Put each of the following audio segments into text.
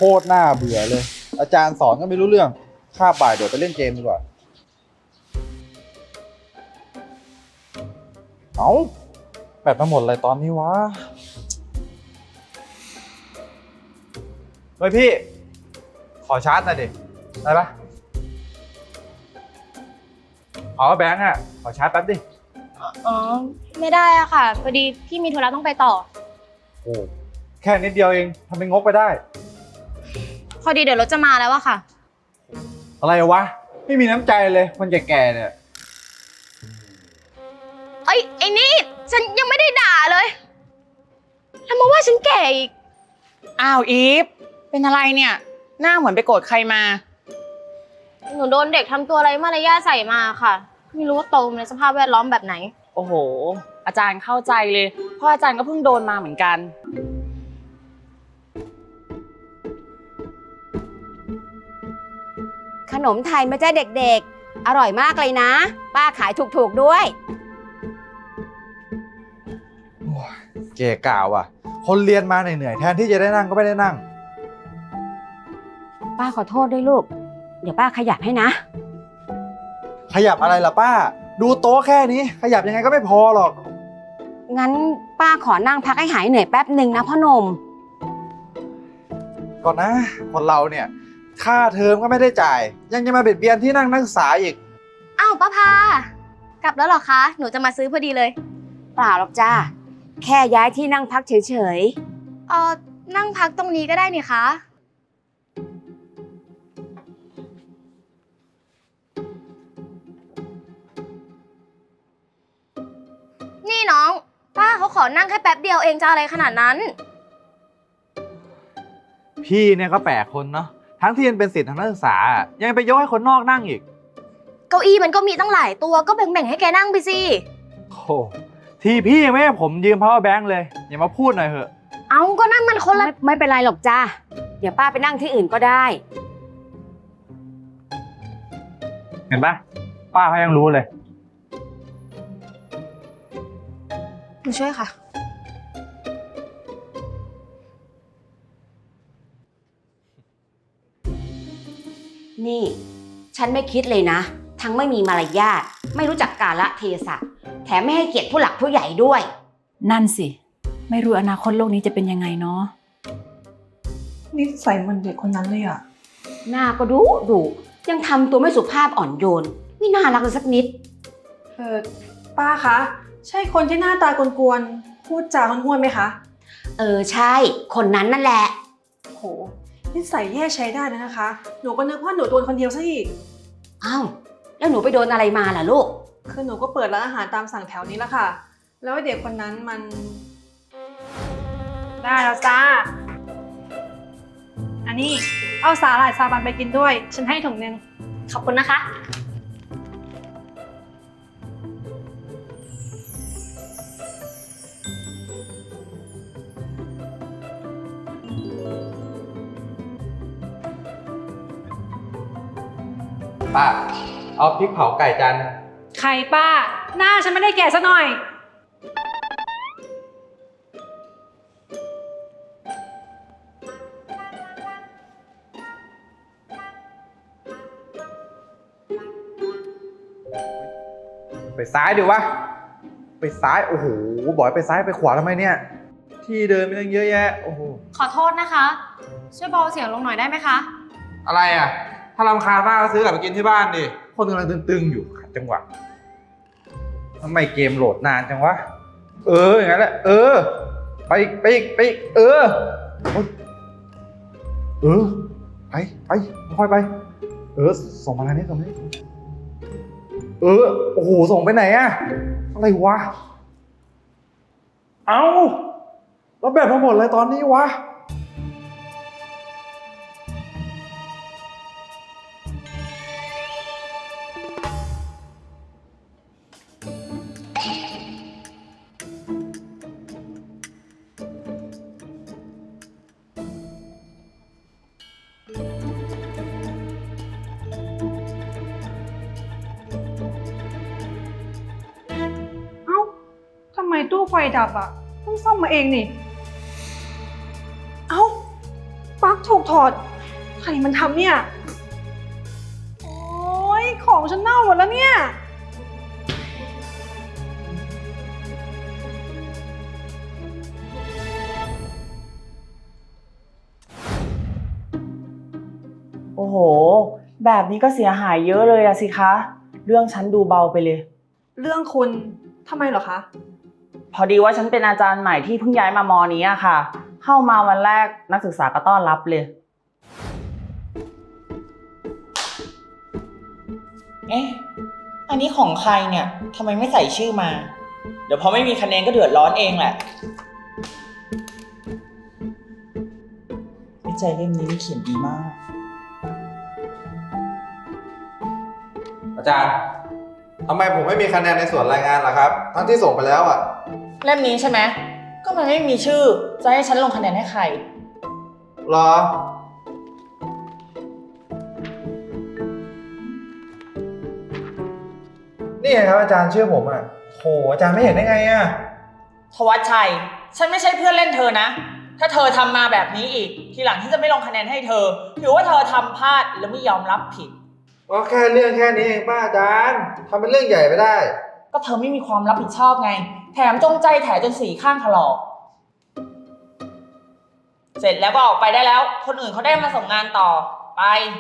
ตรน่าเบื่อเลย อาจารย์สอนก็ไม่รู้เรื่องคาบบ่ายเดี๋ยวไปเล่นเกมดีกว่าเอาแบตมาหมดเลยตอนนี้วะเฮ้ยพี่ขอชาร์จหน่อยดิได้ปะแบงค์อ่ะขอชาร์จแป๊บดิอ๋อ ไม่ได้อะค่ะ พอดีพี่มีธุระต้องไปต่อโอ้แค่นิดเดียวเองทำเป็นงกไปได้พอดีเดี๋ยวรถจะมาแล้วอะค่ะอะไรวะไม่มีน้ำใจเลยคนแก่ๆเนี่ยเอ้ยไอ้นี่ ฉันยังไม่ได้ด่าเลยแล้วมาว่าฉันแก่อีกอ้าวอีฟเป็นอะไรเนี่ย หน้าเหมือนไปโกรธใครมาหนูโดนเด็กทำตัวไร้มารยาทใส่มาค่ะ ไม่รู้ว่าโตมาในสภาพแวดล้อมแบบไหนโอ้โห อาจารย์เข้าใจเลยเพราะอาจารย์ก็เพิ่งโดนมาเหมือนกันขนมไทยมาจ้าเด็กๆ อร่อยมากเลยนะ ป้าขายถูกๆด้วยเก๋ก่าวอ่ะ คนเรียนมาเหนื่อยๆแทนที่จะได้นั่งก็ไม่ได้นั่งป้าขอโทษด้วยลูก เดี๋ยวป้าขยับให้นะขยับอะไรล่ะป้า ดูโต๊ะแค่นี้ ขยับยังไงก็ไม่พอหรอกงั้นป้าขอนั่งพักให้หายเหนื่อยแป๊บหนึ่งนะพ่อหนุ่มก่อนนะ คนเราเนี่ย ค่าเทอมก็ไม่ได้จ่าย ยังจะมาเบียดเบียนที่นั่งนักศึกษาอีกอ้าวป้าพากลับแล้วเหรอคะ หนูจะมาซื้อพอดีเลยเปล่าหรอกจ้า แค่ย้ายที่นั่งพักเฉยนั่งพักตรงนี้ก็ได้นี่คะ นี่น้อง ป้าเขาขอนั่งแค่แป๊บเดียวเองจะอะไรขนาดนั้นพี่เนี่ยก็แปลกคนเนาะ ทั้งที่ยังเป็นศิษย์ทางนักศึกษา ยังไปยกให้คนนอกนั่งอีกเก้าอี้มันก็มีตั้งหลายตัวก็แบ่งๆให้แกนั่งไปสิโอ้ทีพี่ยังไม่ให้ผมยืม power bank เลย อย่ามาพูดหน่อยเถอะเอาก็นั่งมันคนๆละไม่เป็นไรหรอกจ้า เดี๋ยวป้าไปนั่งที่อื่นก็ได้เห็นปะป้าเขายังรู้เลยหนูช่วยค่ะนี่ ฉันไม่คิดเลยนะ ทั้งไม่มีมารยาท ไม่รู้จักกาลเทศะ แถมไม่ให้เกียรติผู้หลักผู้ใหญ่ด้วยนั่นสิ ไม่รู้อนาคตโลกนี้จะเป็นยังไงเนาะนิสัยเหมือนเด็กคนนั้นเลยอะหน้าก็ดุยังทำตัวไม่สุภาพอ่อนโยน ไม่น่ารักเลยสักนิดป้าคะ ใช่คนที่หน้าตากวนๆพูดจาห้วนๆไหมคะใช่ คนนั้นนั่นแหละโหนิสัยแย่ใช้ได้นะคะ หนูก็นึกว่าหนูโดนคนเดียวซะอีกอ้าว แล้วหนูไปโดนอะไรมาล่ะลูกคือหนูก็เปิดร้านอาหารตามสั่งแถวนี้ละค่ะ แล้วไอ้เด็กคนนั้นมัน ได้แล้วจ้า อันนี้เอาสาหร่ายซาบันไปกินด้วย ฉันให้ถุงนึงขอบคุณนะคะป้า เอาพริกเผาไก่จานนึงไข่ป้า หน้าฉันไม่ได้แก่ซะหน่อยไปซ้ายดิวะ ไปซ้าย โอ้โห บอกให้ไปซ้ายไปขวาทำไมเนี่ย ที่เดินไม่ต้องเยอะแยะ โอ้โหขอโทษนะคะ ช่วยเบาเสียงลงหน่อยได้ไหมคะอะไรอ่ะ ถ้ารำคาญมากก็ซื้อกลับไปกินที่บ้านดิ คนกำลังตึงๆอยู่ขัดจังหวะทำไมเกมโหลดนานจังวะ อย่างนั้นแหละ ไปอีกไปอีกไปอีกโอ๊ยไปค่อยไป ส่งมาทางนี้ส่งมาทางนี้โอ้โห ส่งไปไหนอะอะไรวะ เอาแล้วแบตมาหมดเลยตอนนี้วะเอ้า ทำไมตู้ไฟดับอ่ะเพิ่งซ่อมมาเองนี่ เอ้า ปลั๊กถูกถอด ใครมันทำเนี่ย โอ๊ย ของฉันเน่าหมดแล้วเนี่ยโอ้โห แบบนี้ก็เสียหายเยอะเลยอะสิคะ เรื่องฉันดูเบาไปเลยเรื่องคุณทำไมเหรอคะพอดีว่าฉันเป็นอาจารย์ใหม่ที่เพิ่งย้ายมามอนี้อะค่ะ เข้ามาวันแรกนักศึกษาก็ต้อนรับเลย เอ๊ะ อันนี้ของใครเนี่ยทำไมไม่ใส่ชื่อมา เดี๋ยวพอไม่มีคะแนนก็เดือดร้อนเองแหละวิจัยเล่มนี้เขียนดีมากอาจารย์ทำไมผมไม่มีคะแนนในส่วนรายงานล่ะครับ ทั้งที่ส่งไปแล้วอ่ะเล่มนี้ใช่ไหม ก็มันไม่มีชื่อ จะให้ฉันลงคะแนนให้ใครรอ นี่ไงครับอาจารย์ชื่อผมอ่ะโหอาจารย์ไม่เห็นได้ไงอ่ะทวัชชัย ฉันไม่ใช่เพื่อนเล่นเธอนะ ถ้าเธอทำมาแบบนี้อีก ทีหลังที่จะไม่ลงคะแนนให้เธอ ถือว่าเธอทำพลาดและไม่ยอมรับผิดก็แค่เรื่องแค่นี้เองป้าอาจารย์ทำเป็นเรื่องใหญ่ไปได้ก็เธอไม่มีความรับผิดชอบไง แถมจงใจแถจนสีข้างถลอก เสร็จแล้วก็ออกไปได้แล้ว คนอื่นเขาได้มาส่งงานต่อ ไป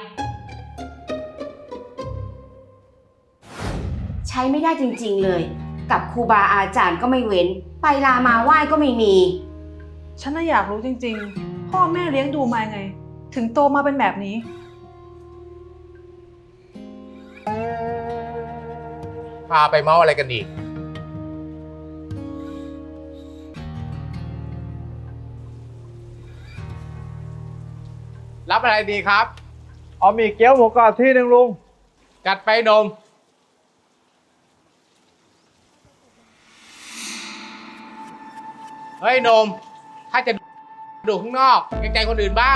ใช้ไม่ได้จริงๆเลย กับครูบาอาจารย์ก็ไม่เว้น ไปลามาไหว้ก็ไม่มีฉันน่ะอยากรู้จริงๆ พ่อแม่เลี้ยงดูมาไง ถึงโตมาเป็นแบบนี้พาไปเมาอะไรกันอีก รับอะไรดีครับเอาหมี่เกี๊ยวหมูกรอบที่หนึ่งลุงจัดไปนม เฮ้ยนม ถ้าจะดูข้างนอกเกรงใจคนอื่นบ้าง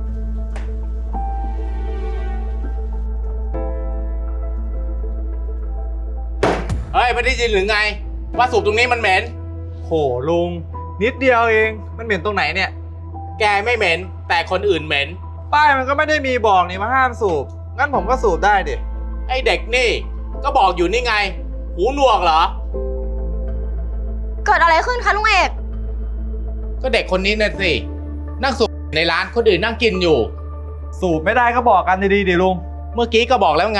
เฮ้ยไม่ได้ยินหรือไง ว่าสูบตรงนี้มันเหม็นโหลุง นิดเดียวเอง มันเหม็นตรงไหนเนี่ยแกไม่เหม็น แต่คนอื่นเหม็นป้ายมันก็ไม่ได้มีบอกนี่มาห้ามสูบ งั้นผมก็สูบได้ดิไอ้เด็กนี่ ก็บอกอยู่นี่ไง หูหนวกเหรอเกิดอะไรขึ้นคะลุงเอกก็เด็กคนนี้น่ะสิ นั่งสูบในร้านคนอื่นนั่งกินอยู่สูบไม่ได้ก็บอกกันดีๆดิลุงเมื่อกี้ก็บอกแล้วไง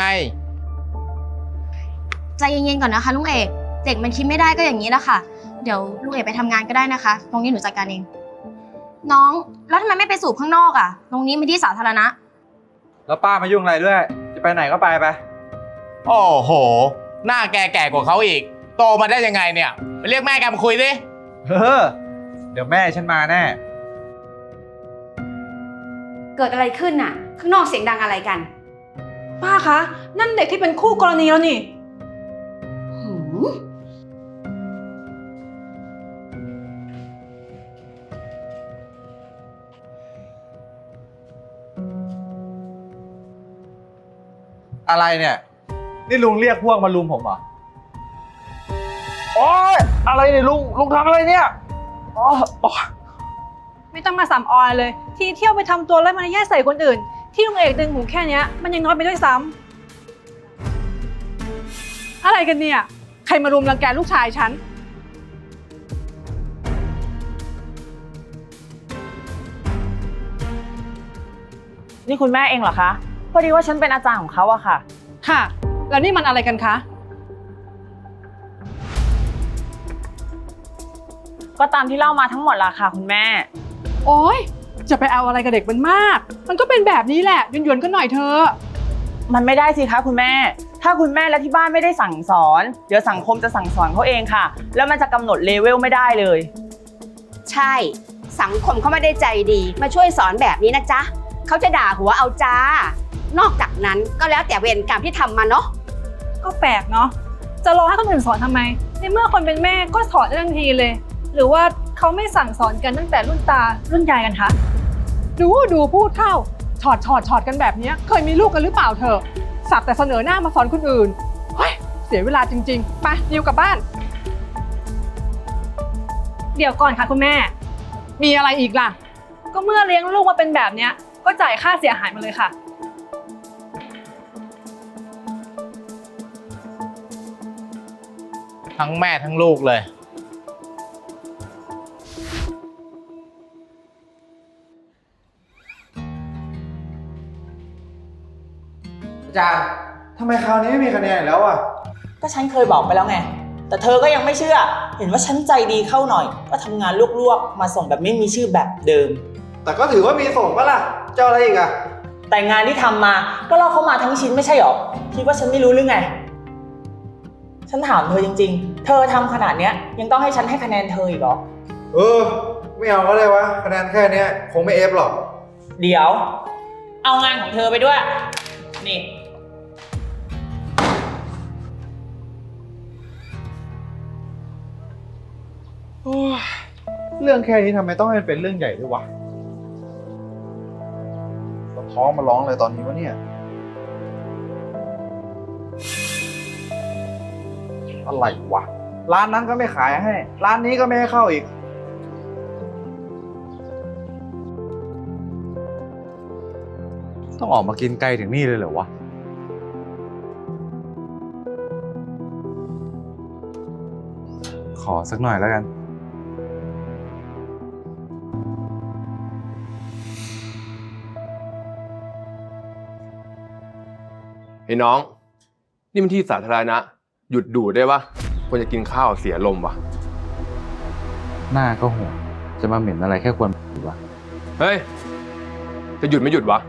ใจเย็นๆก่อนนะคะลุงเอก เด็กมันคิดไม่ได้ก็อย่างนี้แหละค่ะ เดี๋ยวลุงเอกไปทำงานก็ได้นะคะ ตรงนี้หนูจัดการเอง น้อง แล้วทำไมไม่ไปสูบข้างนอกอ่ะ ตรงนี้เป็นที่สาธารณะแล้วป้ามายุ่งอะไรด้วย จะไปไหนก็ไปไปโอ้โห หน้าแกแก่กว่าเขาอีก โตมาได้ยังไงเนี่ย ไปเรียกแม่แกมาคุยดิเฮ้อ เดี๋ยวแม่ฉันมาแน่เกิดอะไรขึ้นน่ะ ข้างนอกเสียงดังอะไรกันป้าคะ นั่นเด็กที่เป็นคู่กรณีแล้วนี่หืมอะไรเนี่ย นี่ลุงเรียกพวกมาลุมผมเหรอ โอ๊ย อะไรเนี่ยลุงทำอะไรเนี่ยอ๋อไม่ต้องมาสำออยเลย ที่เที่ยวไปทำตัวแล้วมันแย่ใส่คนอื่น ที่ลุงเอกดึงหูแค่เนี้ยมันยังน้อยไปด้วยซ้ำอะไรกันเนี่ย ใครมารุมรังแกลูกชายฉันนี่คุณแม่เองเหรอคะ พอดีว่าฉันเป็นอาจารย์ของเขาอะค่ะค่ะ แล้วนี่มันอะไรกันคะก็ตามที่เล่ามาทั้งหมดละค่ะคุณแม่โอ๊ย จะไปเอาอะไรกับเด็กมันมาก มันก็เป็นแบบนี้แหละหยวนๆก็หน่อยเธอะมันไม่ได้สิคะคุณแม่ ถ้าคุณแม่และที่บ้านไม่ได้สั่งสอน เดี๋ยวสังคมจะสั่งสอนเขาเองค่ะ แล้วมันจะกำหนดเลเวลไม่ได้เลยใช่ สังคมเขาไม่ได้ใจดี มาช่วยสอนแบบนี้นะจ๊ะ เขาจะด่าหัวเอาจ้า นอกจากนั้นก็แล้วแต่เวรกรรมที่ทำมาเนาะก็แปลกเนาะ จะรอให้คนอื่นสอนทำไม ในเมื่อคนเป็นแม่ก็สอนได้ทันทีเลย หรือว่าเขาไม่สั่งสอนกันตั้งแต่รุ่นตารุ่นยายกันคะ ดูพูดเข้าถอดกันแบบนี้เคยมีลูกกันหรือเปล่าเธอ สักแต่เสนอหน้ามาสอนคนอื่น เฮ้ย เสียเวลาจริงๆ ไปนิวกลับบ้าน เดี๋ยวก่อนค่ะคุณแม่ มีอะไรอีกล่ะ ก็เมื่อเลี้ยงลูกมาเป็นแบบเนี้ยก็จ่ายค่าเสียหายมาเลยค่ะทั้งแม่ทั้งลูกเลยอาจารย์ทำไมคราวนี้ไม่มีคะแนนอีกแล้วอ่ะก็ฉันเคยบอกไปแล้วไง แต่เธอก็ยังไม่เชื่อ เห็นว่าฉันใจดีเข้าหน่อย ก็ทำงานลวกๆ มาส่งแบบไม่มีชื่อแบบเดิมแต่ก็ถือว่ามีส่งปะล่ะ เจ้าอะไรอีกอ่ะแต่งานที่ทำมา ก็ลอกเข้ามาทั้งชิ้นไม่ใช่หรอ คิดว่าฉันไม่รู้หรือไง ฉันถามเธอจริงๆ เธอทำขนาดเนี้ยยังต้องให้ฉันให้คะแนนเธออีกเหรอไม่เอาก็ได้วะ คะแนนแค่เนี้ยคงไม่เอฟหรอกเดี๋ยว เอางานของเธอไปด้วย นี่เรื่องแค่นี้ทำไมต้องให้มันเป็นเรื่องใหญ่ด้วยวะท้องมาร้องเลยตอนนี้วะเนี่ย อะไรวะ ร้านนั้นก็ไม่ขายให้ ร้านนี้ก็ไม่ให้เข้าอีก ต้องออกมากินไกลถึงนี่เลยเหรอวะ ขอสักหน่อยแล้วกันเฮ้ยน้อง นี่มันที่สาธารณะ หยุดดูดได้ปะควรจะกินข้าวเสียลมวะหน้าก็ห่วงจะมาเหม็นอะไรแค่ควรวะเฮ้ย จะหยุดไม่หยุดวะ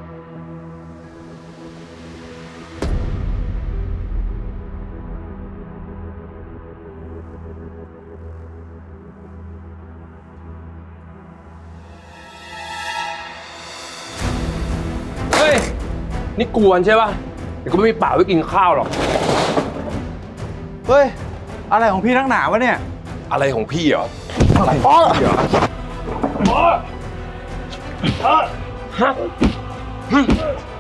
เฮ้ย นี่กวนใช่ปะเดี๋ยวกูไม่มีปากไว้กินข้าวหรอกเฮ้ย อะไรของพี่ทั้งหนาวะเนี่ยอะไรของพี่เหรออะไรเหรอ